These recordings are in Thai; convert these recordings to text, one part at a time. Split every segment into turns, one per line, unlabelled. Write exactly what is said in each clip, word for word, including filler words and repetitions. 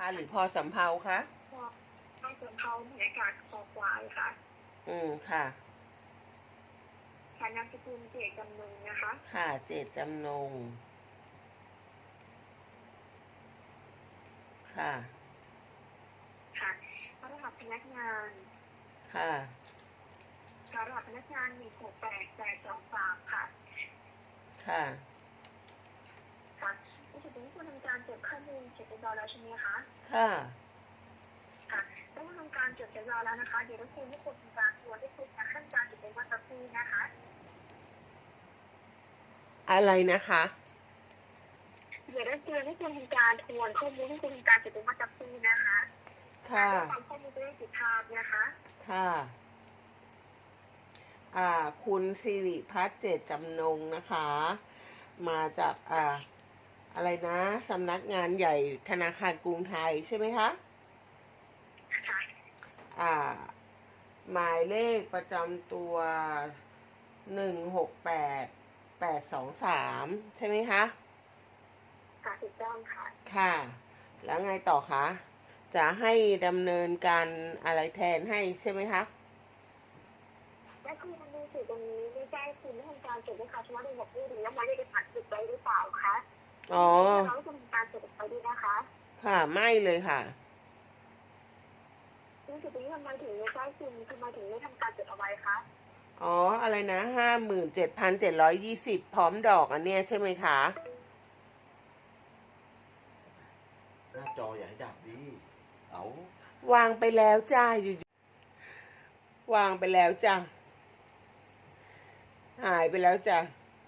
หรือพอสำเภาคะ
พอพอสำเภาบรรยากาศคอควายค่ะ
อืมค่ะ
ค่ะนามสกุลเจตจำนงนะคะ
ค่ะเจตจำนงค่ะ
ค่ะรหัสพนักงาน
ค่ะ
รหัสพนักงานหนึ่งหกแปดแปดสองสามค่ะ
ค่ะ
ค่ะในส่วนนี้คุณทำการจดข้อมูลเสร็จเรียบร้อยแล้วใช่ไหมคะ
ค่ะ
ค่ะได้ทำการจดเรียบร้อยแล้วนะคะเดี๋ยวรบกวนให้คุณทำการตรวจให้คุณนะขั้นการจดเป็นวันตะกี้นะคะ
อะไรนะคะ
เดี๋ยวรบกวนให้คุณทำการทวนข้อมูลให้คุณทำการจดเป็นวันตะกี้นะคะ
ค่ะ
ความข้อมูลจะได้ติดตามนะคะ
ค่ะอ่าคุณสิริพัฒน์เจตจำนงนะคะ มาจากอ่าอะไรนะสำนักงานใหญ่ธนาคารกรุงไทยใช่ไหมคะ
ค่ะ
อ่าหมายเลขประจำตัวหนึ่งหกแปดแปดสองสามใช่ไหมคะ
ค่ะถูกต้องค่ะ
ค่ะ แล้วไงต่อคะจะให้ดำเนินการอะไรแทนให้ใช่ไหมคะ
และคือมันมีสื่อตรงนี้ไม่ใช่คุณไม่ทำการจดด้วยค่ะเฉพาะในหัวข้อหรือว่าไม่ได้ไปผัดจุดไว้หรือเปล่าคะ
อ๋อ
เราต้องทำการจดไปด้วยนะคะ
ค่ะไม่เลยค่ะ
ซึ่งจุดนี้ทำไมถึงไม่ใช่คุณทำไมถึงไม่ทำการจดเอาไว้คะ
อ๋ออะไรนะห้าหมื่นเจ็ดพันเจ็ดร้อยยี่สิบพร้อมดอกอันเนี้ยใช่ไหมคะ
หน้าจออย่าให้ดับดิเอา
วางไปแล้วจ้าอยู่วางไปแล้วจ้าหายไปแล้วจ้า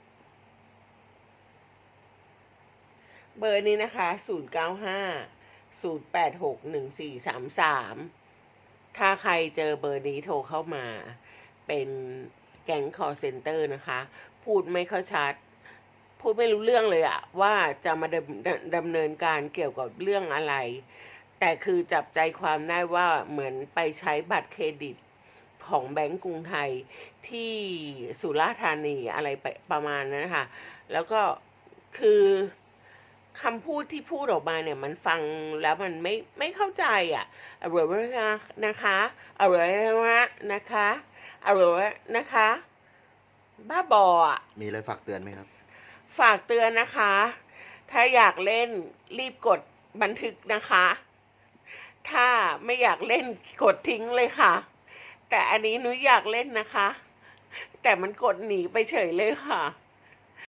เบอร์นี้นะคะศูนย์เก้าห้าศูนย์แปดหกหนึ่งสี่สามสามถ้าใครเจอเบอร์นี้โทรเข้ามาเป็นแก๊งคอลเซ็นเตอร์นะคะ พูดไม่ค่อยชัด พูดไม่รู้เรื่องเลยอะว่าจะมาดำดำเนินการเกี่ยวกับเรื่องอะไร แต่คือจับใจความได้ว่าเหมือนไปใช้บัตรเครดิตของแบงก์กรุงไทยที่สุราษฎร์ธานีอะไรไปประมาณนั้นนะคะแล้วก็คือคำพูดที่พูดออกมาเนี่ยมันฟังแล้วมันไม่ไม่เข้าใจอ่ะอร่อยนะคะอร่อยนะคะอร่อยนะคะ บ้าบออ่ะ
มีอะไรฝากเตือนไหมครับ
ฝากเตือนนะคะ ถ้าอยากเล่นรีบกดบันทึกนะคะ ถ้าไม่อยากเล่นกดทิ้งเลยค่ะ แต่อันนี้หนูอยากเล่นนะคะ แต่มันกดหนีไปเฉยเลยค่ะ